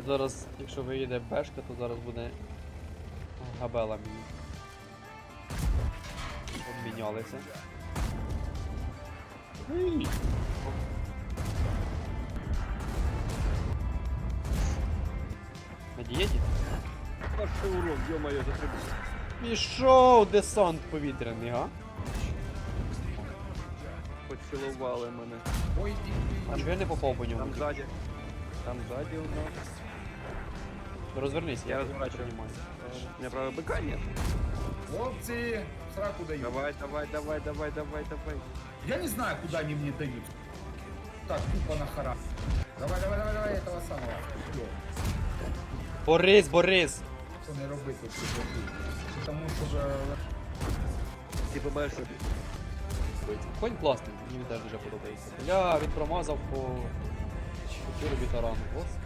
Зараз, якщо виїде бешка, то зараз буде габела мені. Обмінялися. На дієті? Перший урок, ё-моё, затребуй. Пішов десант повітряний, га? Поцілували мене. Ой, А чого я не попав по ньому? Там ззаді. Там ззаді у нас. Розвернись, Я я розворачую. розумію. У меня правого быка нет. хлопцы, в сраку дают. Давай, давай, давай, давай, давай, давай. Я не знаю, куда они мне дают. Так, тупо на хара. Давай, давай, давай, давай, этого самого. Всё, Борис, Борис! що не робити тут. Тому що ж... Ти побачиш, що Конь класний, мені він теж дуже подобається. Я він промазав по 4 бітарану. Господи.